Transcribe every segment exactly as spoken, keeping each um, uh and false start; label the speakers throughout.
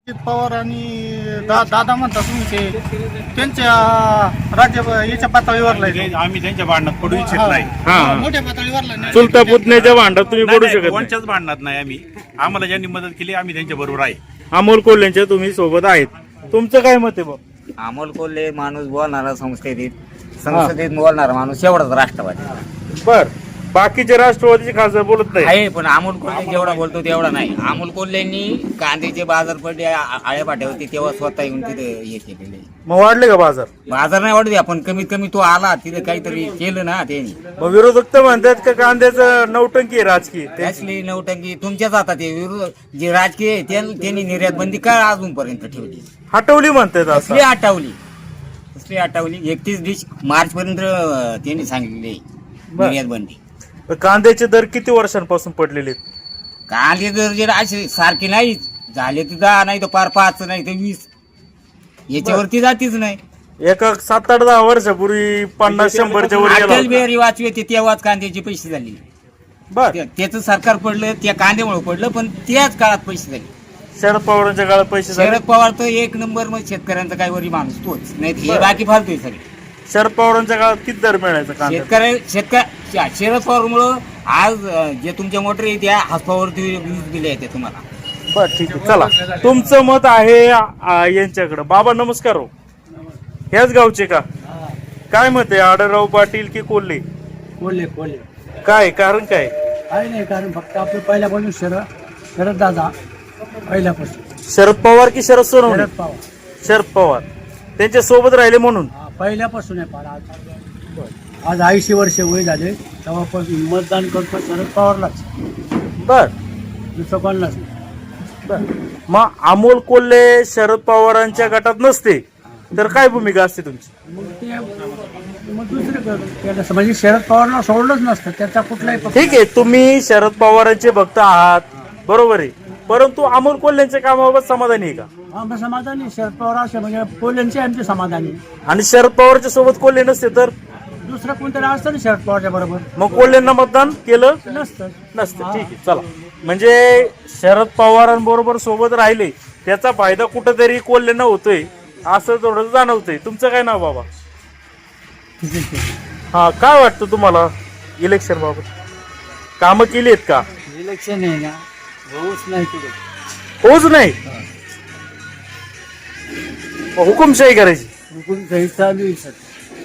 Speaker 1: अजित पवार आणि दा दादा म्हणतात तुम्ही ते त्यांच्या राज्य याच्या पातळीवरला आहे.
Speaker 2: आम्ही त्यांच्या भांडणात पडू इच्छित नाही.
Speaker 3: हा
Speaker 1: मोठ्या पातळीवरला नाही.
Speaker 3: चुलता पुतण्याच्या भांडणात तुम्ही
Speaker 2: नाही,
Speaker 3: पडू
Speaker 2: नाही,
Speaker 3: शकत नाही.
Speaker 2: कोणच्याच भांडणात नाही. आम्ही आम्हाला ज्यांनी मदत केली आम्ही त्यांच्या बरोबर आहे.
Speaker 3: अमोल कोल्हेंच्या तुम्ही सोबत आहेत. तुमचं काय मत आहे बाब?
Speaker 4: अमोल कोल्हे माणूस बोलणारा संसदेत संसदेत बोलणारा माणूस एवढाच राष्ट्रवादी
Speaker 3: बर, बाकीचे राष्ट्रवादीचे खासदार बोलत नाही.
Speaker 4: आहे, पण अमोल कोल्हे जेवढा बोलतो तेवढा नाही. अमोल कोल्हेंनी कांद्याचे बाजार पडले आळ्या पाठ्यावरती तेव्हा स्वतः येऊन तिथे हे केलेले.
Speaker 3: मग वाढले का बाजार?
Speaker 4: बाजार नाही वाढू द्या, पण कमीत कमी तो आला तिथे काहीतरी केलं ना त्यांनी.
Speaker 3: मग विरोधक तर म्हणतात का कांद्याचं नौटंकी आहे राजकीय ते.
Speaker 4: त्याचली नौटंकी तुमच्याच हातात आहे. विरोध जे राजकीय आहे त्यां- त्यांनी निर्यात बंदी का अजूनपर्यंत ठेवली?
Speaker 3: हटवली म्हणतात
Speaker 4: कसली
Speaker 3: असं.
Speaker 4: हटवली कसली हटवली एकतीस डिश मार्च पर्यंत त्यांनी सांगितलेली आहे
Speaker 3: बरं.
Speaker 4: निर्यात बंदी.
Speaker 3: कांद्याचे दर किती वर्षांपासून पडलेले आहेत?
Speaker 4: कांदे जर जे असे सारखे नाही झाले तर दहा नाही तर पार पाच नाही तर वीस याच्यावरती जातीच नाही.
Speaker 3: एका सात आठ दहा वर्षापूर्वी पन्नास शंभरच्या वर गेला
Speaker 4: अटल
Speaker 3: होता.
Speaker 4: बिहारी वाजपेयी तेव्हाच कांद्याचे पैसे झाले.
Speaker 3: बर,
Speaker 4: त्या- त्याचं सरकार पडलं त्या कांद्यामुळे पडलं, पण त्याच काळात पैसे झाले.
Speaker 3: शरद पवारांच्या काळात पैसे झाले.
Speaker 4: शरद पवार तर एक नंबर मग शेतकऱ्यांचा काही वरी माणूस तोच नाही हे
Speaker 3: बरं.
Speaker 4: बाकी फालतोय सगळे.
Speaker 3: शरद पवारांच्या काळात किती दर मिळायचा कांदा?
Speaker 4: शेतकऱ्या शेतकऱ्या शरद पवारमुळं आज अं, जे तुमच्या मोटर आहे त्या हातपावरती वीज दिले आहेत तुम्हाला.
Speaker 3: बर, ठीक आहे. चला, तुमचं मत आहे आ, यांच्याकडे. बाबा नमस्कार. हो, ह्याच गावचे का? काय मत आहे, आढळराव पाटील की कोल्हे?
Speaker 1: कोल्हे कोल्हे
Speaker 3: काय कारण काय?
Speaker 1: काही नाही, कारण फक्त आपलं पहिल्यापासून शरद शरद दादा पहिल्यापासून
Speaker 3: शरद पवार की शरद सोनवणे?
Speaker 1: शरद पवार
Speaker 3: शरद पवार त्यांच्या सोबत राहिले म्हणून.
Speaker 1: हा, पहिल्यापासून आहे. फार आज आज ऐंशी वर्ष वय झाले तेव्हापासून मतदान करतो शरद पवारलाच,
Speaker 3: बर
Speaker 1: दुसरं कोणालाच नाही.
Speaker 3: बर. मग अमोल कोल्हे शरद पवारांच्या गटात नसते तर काय भूमिका असते तुमची?
Speaker 1: मग ते मग दुसरं केलं असं, म्हणजे शरद पवारला सोडलंच नसतं त्याचा कुठलाही पक्ष.
Speaker 3: ठीक आहे, तुम्ही शरद पवारांचे भक्त आहात, बरोबर आहे, परंतु अमोल कोल्हेंच्या कामाबाबत समाधानी आहे का?
Speaker 1: आमचं समाधानी शरद पवार असे म्हणजे कोल्ह्यांचे आमचे समाधानी.
Speaker 3: आणि शरद पवारच्या सोबत कोल्हे नसते तर
Speaker 1: दुसरं कोणतरी असतं ना शरद पवारच्या बरोबर,
Speaker 3: मग कोल्हेंना मतदान केलं
Speaker 1: नसतं.
Speaker 3: नसतं. ठीक आहे, चला. म्हणजे शरद पवारांबरोबर सोबत राहिले त्याचा फायदा कुठेतरी कोल्हेंना होतोय असं थोडं जाणवतंय. तुमचं काय नाव बाबा? हा, काय वाटतं तुम्हाला इलेक्शन बाबत? कामं केली आहेत का?
Speaker 1: इलेक्शन आहे ना, होऊच नाही कुठे.
Speaker 3: होच नाही, मग हुकुमशाही करायची.
Speaker 1: हुकूम काही चालू आहे सर,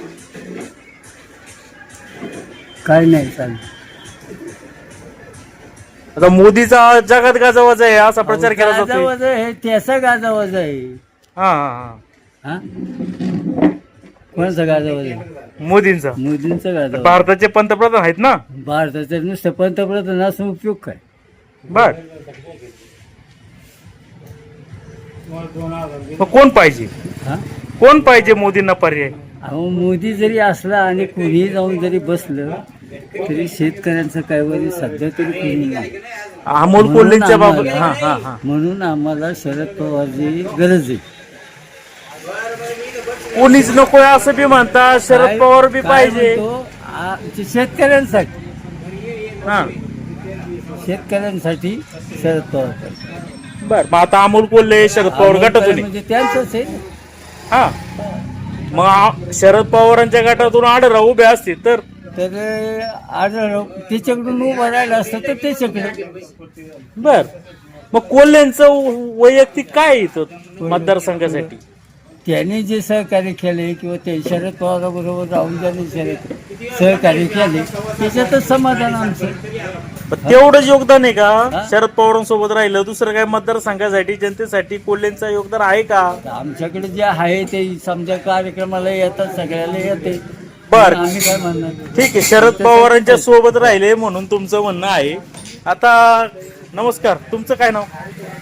Speaker 1: काय नाही चालू.
Speaker 3: आता मोदीचा जगात गाजावाजा आहे असा प्रचार केला जातो.
Speaker 1: गाजावाज आहे त्याचा गाजावाज आहे.
Speaker 3: हा हा
Speaker 1: हा, कोणाचा गाजावाज आहे?
Speaker 3: मोदींचा.
Speaker 1: मोदींचा गाजावाज.
Speaker 3: भारताचे पंतप्रधान आहेत ना.
Speaker 1: भारताचं नुसतं पंतप्रधान असून उपयोग काय?
Speaker 3: बर, मग कोण पाहिजे?
Speaker 1: हा,
Speaker 3: कोण पाहिजे मोदींना पर्याय?
Speaker 1: अहो मोदी जरी असला आणि कुणीही जाऊन जरी बसलं तरी शेतकऱ्यांचं काय वरी सध्या तरी कुणी नाही.
Speaker 3: अमोल कोल्हेंच्या बाबत.
Speaker 1: म्हणून
Speaker 3: हा हा
Speaker 1: आम्हाला-
Speaker 3: हा
Speaker 1: म्हणून आम्हाला शरद पवारची गरज आहे.
Speaker 3: कोणीच नकोय असं बी म्हणतात, शरद
Speaker 1: काय-
Speaker 3: पवार बी
Speaker 1: काय
Speaker 3: पाहिजे.
Speaker 1: म्हणतो, आ, ते शेतकऱ्यांसाठी
Speaker 3: हा,
Speaker 1: शेतकऱ्यांसाठी शरद पवार पाहिजे.
Speaker 3: बर. मग आता अमोल कोल्हे शरद पवार
Speaker 1: अमोल
Speaker 3: गटातून आहे.
Speaker 1: म्हणजे त्यांचंच आहे.
Speaker 3: हा, मग आ- शरद पवारांच्या गटातून आढळराव उभे असतील तर
Speaker 1: तर आढळ त्याच्याकडून उभं राहिलं असतं तर त्याच्याकडे.
Speaker 3: बर. मग कोल्हेंचं वैयक्तिक काय आहे इथं मतदारसंघासाठी?
Speaker 1: त्यांनी जे सहकार्य केले किंवा ते शरद पवाराबरोबर राहून ज्यांनी शरद सहकार्य केले त्याच्यातच समाधान आमचं.
Speaker 3: पण तेवढंच योगदान आहे का
Speaker 1: हा?
Speaker 3: शरद पवारांसोबत राहिलं? दुसरं काय मतदारसंघासाठी जनतेसाठी कोल्हेंचं योगदान आहे का?
Speaker 1: आमच्याकडे जे आहे ते समजा कार्यक्रमाला येतात, सगळ्याला येते.
Speaker 3: बर,
Speaker 1: आम्ही काय म्हणणार?
Speaker 3: ठीक आहे. शरद पवारांच्या सोबत राहिले म्हणून तुमचं म्हणणं आहे. आता नमस्कार, तुमचं काय नाव?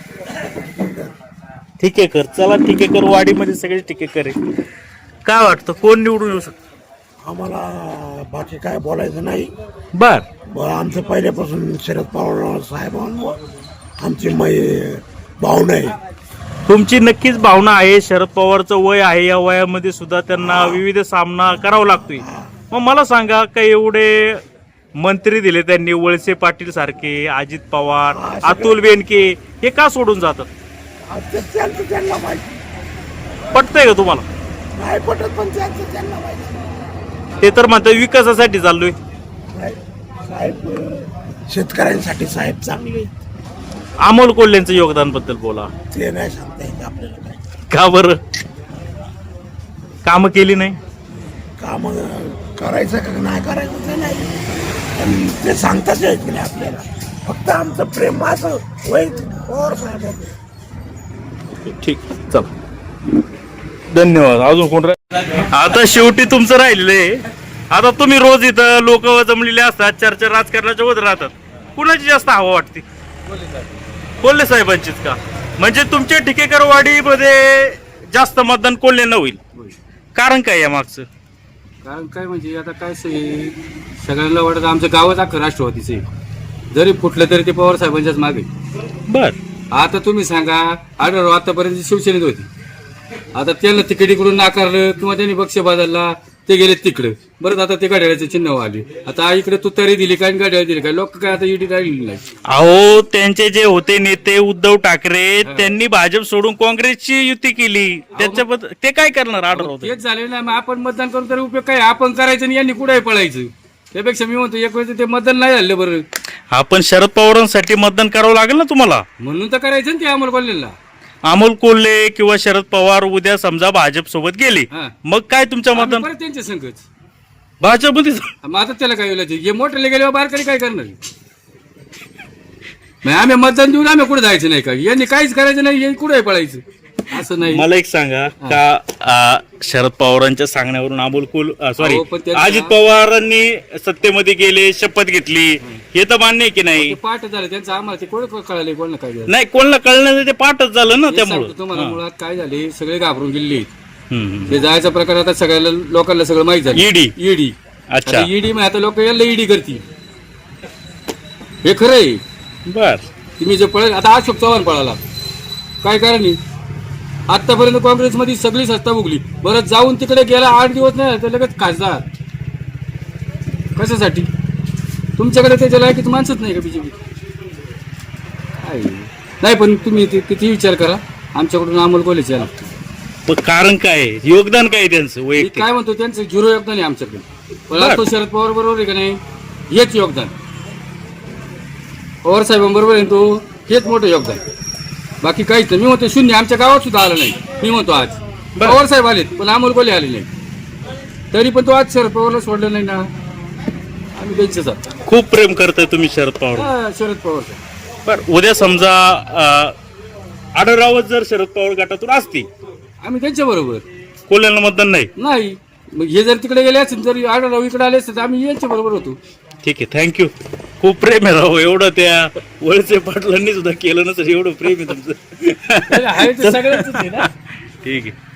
Speaker 3: ठिकेकर. चला, ठिकेकर वाडीमध्ये सगळे ठिकेकर आहे. काय वाटतं कोण निवडून येऊ शकतं?
Speaker 5: आम्हाला बाकी काय बोलायचं नाही.
Speaker 3: बर,
Speaker 5: ब- आमचं पहिल्यापासून शरद पवार साहेबांवर आमची मै भावना आहे.
Speaker 3: तुमची नक्कीच भावना आहे. शरद पवारचं वय आहे, या वयामध्ये सुद्धा त्यांना विविध सामना करावा लागतोय. मग मला सांगा, काही एवढे मंत्री दिले त्यांनी, वळसे पाटील सारखे, अजित पवार, अतुल बेनके, हे का सोडून जातात?
Speaker 5: ते त्यांचं त्यांना माहिती.
Speaker 3: पटतंय का तुम्हाला?
Speaker 5: नाही पटत पण त्यांचं त्यांना माहिती.
Speaker 3: ते तर म्हणतात विकासासाठी चाललोय.
Speaker 5: नाही, साहेब अं, शेतकऱ्यांसाठी साहेब चांगले आहेत.
Speaker 3: अमोल कोल्हेंचं योगदान बद्दल बोला.
Speaker 5: ते नाही सांगता येत आपल्याला काय.
Speaker 3: का बरं? कामं केली नाही?
Speaker 5: काम करायचं का नाही करायचं ते नाही, पण ते सांगताच येत नाही आपल्याला. फक्त आमचं प्रेम असं वैयक्तिक पवार साहेब.
Speaker 3: ठीक, चल, धन्यवाद. अजून कोण राह- आता शेवटी तुमचं राहिलेलं आहे. आता तुम्ही रोज इथं लोक जमलेले असतात, चर्चा राजकारणाच्या होत राहतात. कुणाची जास्त हवा वाटते? कोल्हे साहेबांचीच का? म्हणजे तुमच्या ठिकेकरवाडीमध्ये जास्त मतदान कोल्हेंना होईल. कारण काय या मागचं?
Speaker 6: कारण काय म्हणजे आता काय स- सगळ्यांना वाटत आमचं गावच अख्खं राष्ट्रवादीचं आहे. जरी फुटलं तरी ते पवार साहेबांच्याच मागे.
Speaker 3: बर,
Speaker 6: आता तुम्ही सांगा, आढळराव आतापर्यंत शिवसेनेत होती. आता त्यांना तिकीट इकडून नाकारलं किंवा त्यांनी पक्ष बदलला, ते गेले तिकडे. बरं, आता ते गाड्याचे चिन्ह आले. आता इकडे तुतारी दिली काय, गाड्या दिली काय, लोक काय आता ईडी राहिलेली नाही.
Speaker 3: अहो त्यांचे जे होते नेते उद्धव ठाकरे, त्यांनी भाजप सोडून काँग्रेसची युती केली. त्याच्याबद्दल ते काय करणार? आढळराव
Speaker 6: तेच झाले ना. मग आपण मतदान करून तरी उपयोग काय? आपण करायचं आणि यांनी कुठे पळायचं. त्यापेक्षा मी म्हणतो एक वेळेस ते मतदान नाही झालं बरं,
Speaker 3: आपण शरद पवारांसाठी मतदान करावं लागेल ना तुम्हाला.
Speaker 6: म्हणून तर करायचं ना ते अमोल कोल्हेला.
Speaker 3: अमोल कोल्हे किंवा शरद पवार उद्या समजा भाजप सोबत गेले,
Speaker 6: हा.
Speaker 3: मग काय तुमचं
Speaker 6: आम्ही
Speaker 3: मतदान?
Speaker 6: परत त्यांच्या संघच.
Speaker 3: भाजपमध्ये
Speaker 6: मग आता त्याला काय बोलायचं? हे मोठ्याला गेल्यावर बारकाली काय करणार? मग आम्ही मतदान देऊन आम्ही कुठे जायचं नाही का? यांनी काहीच करायचं नाही, यांनी कुठे पळायचं असं नाही.
Speaker 3: मला एक सांगा का आ, शरद पवारांच्या सांगण्यावरून अमोल कोल सॉरी
Speaker 6: अहो, पण त्यांचा-
Speaker 3: अजित पवारांनी सत्तेमध्ये गेले, शपथ घेतली, हे तर मान्य आहे की नाही?
Speaker 6: ते पाठ झालं त्यांचं, आम्हाला ते कोण कळाले कोण काय झालं.
Speaker 3: नाही, कोणाला कळण्याचं ते पाठच झालं ना
Speaker 6: हे
Speaker 3: त्यामुळं.
Speaker 6: सांगतो तुम्हाला, मुळात काय झाले, सगळे घाबरून गेले.
Speaker 3: हम्म.
Speaker 6: ते जायचा प्रकार आता सगळ्याला लोकांना सगळं माहित झालं.
Speaker 3: ईडी.
Speaker 6: ईडी.
Speaker 3: अच्छा.
Speaker 6: ईडी मग आता लोक याला ईडी करतील. हे खरं आहे.
Speaker 3: बर,
Speaker 6: तुम्ही जे पळेल आता अशोक चव्हाण पळाला, काय कारण आहे? आतापर्यंत काँग्रेसमध्ये सगळी सत्ता भोगली. बरं, जाऊन तिकडे गेला आठ दिवस नाही तर लगेच खासदार. कशासाठी? तुमच्याकडे त्याच्या लायकीच माणसंच नाही का बीजेपी? नाही, पण तुम्ही ते- किती विचार करा, आमच्याकडून अमोल कोल्हेच याला.
Speaker 3: पण कारण काय आहे? योगदान काय आहे त्यांचं
Speaker 6: मी
Speaker 3: वैयक्तिक?
Speaker 6: काय म्हणतो, त्यांचं झिरो योगदान आहे आमच्याकडे. पण
Speaker 3: बरं.
Speaker 6: तो शरद पवार बरोबर आहे का नाही? हेच योगदान. पवार साहेबांबरोबर आहे तो, हेच मोठं योगदान. बाकी काहीच नाही. मी म्हणतो शून्य. आमच्या गावात सुद्धा आलं नाही. मी म्हणतो आज पवार साहेब आलेत, पण अमोल कोल्हे आले नाही. तरी पण तो आज शरद पवारला सोडलं नाही ना. आम्ही त्यांचेच आहोत.
Speaker 3: खूप प्रेम करताय तुम्ही शरद पवार.
Speaker 6: हा, शरद पवार साहेब.
Speaker 3: बर, उद्या समजा आढळरावच जर शरद पवार गटातून असती,
Speaker 6: आम्ही त्यांच्या बरोबर
Speaker 3: कोल्ह्यांना मतदान नाही.
Speaker 6: नाही. मग हे जर तिकडे गेले असतील, जर आढळराव इकडे आले असते तर आम्ही यांच्या बरोबर होतो.
Speaker 3: ठीक आहे, थँक्यू. खूप प्रेम आहे राव, एवढं त्या वळसे पाटलांनी सुद्धा केलं नसेल, एवढं प्रेम आहे तुमचं.
Speaker 6: आहे ते सगळ्यांचंच आहे ना.
Speaker 3: ठीक आहे.